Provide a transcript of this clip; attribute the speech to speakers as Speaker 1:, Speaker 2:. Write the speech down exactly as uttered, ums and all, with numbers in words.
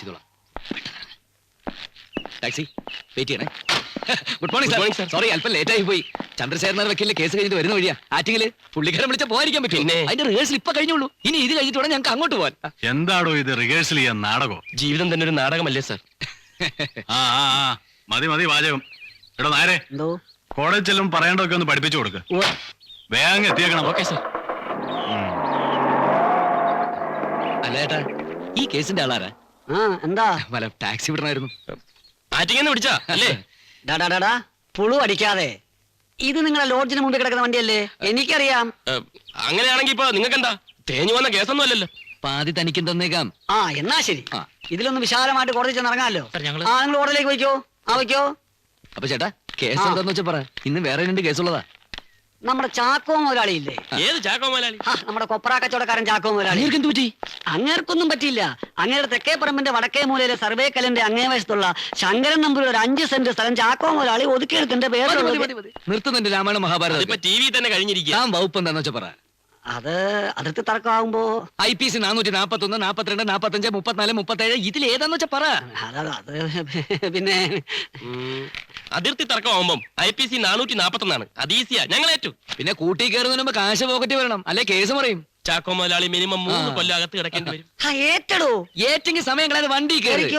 Speaker 1: ചെയ്തോളാം. Taxi wait ചെയ്യണേ. Good morning sir. Sorry അല്പം ലേറ്റ് ആയി പോയി. ചന്ദ്രശേഖരൻ വക്കീലിന്റെ കേസ് കഴിഞ്ഞിട്ട് വരുന്ന വഴിയാ. ആറ്റിങ്ങില് പുള്ളിക്കാരൻ വിളിച്ച പോകാതിരിക്കാൻ പറ്റും. അതിന്റെ റിഹേഴ്സൽ ഇപ്പൊ കഴിഞ്ഞുള്ളൂ. ഇനി ഇത് കഴിഞ്ഞിട്ട് വേണം ഞങ്ങൾക്ക് അങ്ങോട്ട് പോകാൻ.
Speaker 2: എന്താടോ ഇത് റിഹേഴ്സൽ ചെയ്യാൻ നാടകോ?
Speaker 3: ജീവിതം തന്നെ ഒരു നാടകമല്ലേ സാർ?
Speaker 2: ആ ആ ആ മതി മതി വാചകം. എടോ നേരെ കോളേജ് ചെല്ലും പറയേണ്ടതൊക്കെ ഒന്ന് പഠിപ്പിച്ചു കൊടുക്ക. വേഗം എത്തിയേക്കണം.
Speaker 3: Okay sir.
Speaker 1: അല്ല ഏട്ടാ, ഈ കേസിന്റെ ആളാരാ?
Speaker 4: എന്താ
Speaker 1: വല്ല ടാക്സി വിടണമായിരുന്നു.
Speaker 3: ആറ്റിങ്ങന്ന് വിളിച്ചാ അല്ലേ?
Speaker 4: ഡാടാ പുളു അടിക്കാതെ. ഇത് നിങ്ങളെ ലോഡ്ജിന് മുമ്പിൽ കിടക്കുന്ന വണ്ടിയല്ലേ? എനിക്കറിയാം.
Speaker 3: അങ്ങനെയാണെങ്കിൽ ഇപ്പൊ നിങ്ങൾക്ക് എന്താ തേഞ്ഞു വന്ന കേസൊന്നും അല്ലല്ലോ.
Speaker 1: പാതി തനിക്കും തന്നേക്കാം.
Speaker 4: ആ എന്നാ ശരി.
Speaker 1: ആ.
Speaker 4: ഇതിലൊന്ന് വിശാലമായിട്ട് കോടതി ചെന്ന് ഇറങ്ങാമല്ലോ. ആ നിങ്ങൾ കോടതിയിലേക്ക് വയ്ക്കോ. ആ വയ്ക്കോ.
Speaker 1: അപ്പൊ ചേട്ടാ കേസ് എന്താന്ന് വെച്ചാ പറ. ഇന്ന് വേറെ രണ്ട് കേസുള്ളതാ.
Speaker 4: നമ്മുടെ ചാക്കോ മുതലാളി ഇല്ലേ?
Speaker 3: ഏത് ചാക്കോ മുതലാളി?
Speaker 4: നമ്മുടെ കൊപ്ര കച്ചവടക്കാരൻ ചാക്കോ മുതലാളി.
Speaker 1: എന്ത് പറ്റി?
Speaker 4: അങ്ങേർക്കൊന്നും പറ്റിയില്ല. അങ്ങേരുടെ തെക്കേ പറമ്പിന്റെ വടക്കേ മൂലയിലെ സർവേ കല്ലിന്റെ അങ്ങേ വശത്തുള്ള ശങ്കരൻ നമ്പൂരി ഒരു അഞ്ച് സെന്റ് സ്ഥലം ചാക്കോ മുതലാളി ഒതുക്കിയെടുത്തിന്റെ പേര്
Speaker 1: നിർത്തുന്നുണ്ട് രാമായണ മഹാഭാരതം.
Speaker 3: ഇപ്പൊ ടി വി തന്നെ കഴിഞ്ഞിരിക്കുക.
Speaker 1: ഞാൻ വകുപ്പ് എന്താന്ന് വെച്ചാ പറ.
Speaker 4: അത് അതിർത്തി തർക്കമാകുമ്പോ
Speaker 1: ഐ പി സി നാനൂറ്റി നാപ്പത്തി ഒന്ന് നാപ്പത്തിരണ്ട് നാപ്പത്തഞ്ച് മുപ്പത്തിനാല് മുപ്പത്തേഴ് ഇതിൽ ഏതാന്ന് വെച്ചാ പറ.
Speaker 4: അത് അത് പിന്നെ
Speaker 3: അതിർത്തി തർക്കമാകുമ്പം ഐ പി സി നാനൂറ്റി നാപ്പത്തി ഒന്നാണ്. അത് ഈസിയാ, ഞങ്ങൾ ഏറ്റു.
Speaker 1: പിന്നെ കൂട്ടി കയറുന്നതിന് മുമ്പ് കാശ് പോക്കറ്റ് വരണം, അല്ലെ കേസ് പറയും.
Speaker 3: ചാക്കോ മുതലാളി മിനിമം മൂന്ന് കൊല്ലം അകത്ത് കിടക്കേണ്ടി വരും.
Speaker 4: ഏറ്റടോ
Speaker 1: ഏറ്റെങ്കിൽ സമയം കളയാതെ വണ്ടി കയറി.